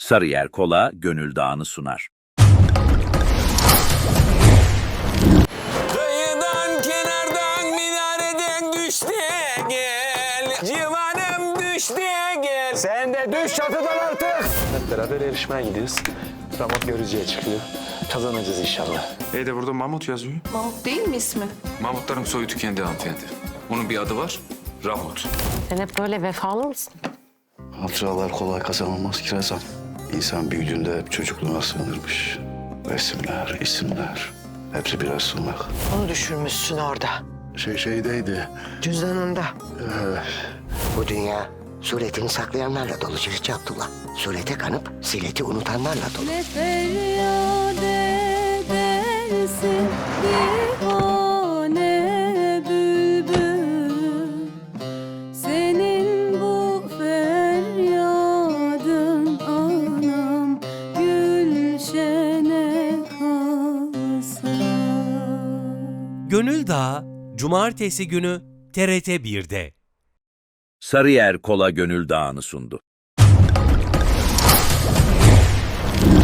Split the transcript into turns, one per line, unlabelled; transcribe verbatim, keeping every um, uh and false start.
Sarıyer Kola Gönül Dağı'nı sunar.
Kıyıdan, kenardan, minareden düştü gel. Civanım düştü gel.
Sen de düş çatıdan artık. Hep beraber yarışmaya gidiyoruz. Ramot görücüye çıkıyor. Kazanacağız inşallah.
E de burada Mahmut yazıyor.
Mahmut değil mi ismi?
Mahmutların soyu tükendi hanımefendi. Onun bir adı var, Rahmut.
Sen hep böyle vefalı mısın?
Hatıralar kolay kazanılmaz ki Rezan. İnsan büyüdüğünde hep çocukluğuna sığınırmış. Resimler, isimler, hepsi birer sığınak.
Onu düşürmüşsün orada,
Şey şeydeydi,
cüzdanında.
Bu dünya suretini saklayanlarla dolu Cüce Abdullah. Surete kanıp sileti unutanlarla dolu.
Ne feryat edersin divane bülbül. Senin bu feryadın anam gülşene kalsa.
Gönül Dağı, Cumartesi günü T R T bir'de.
Sarıyer Kola Gönül Dağı'nı sundu.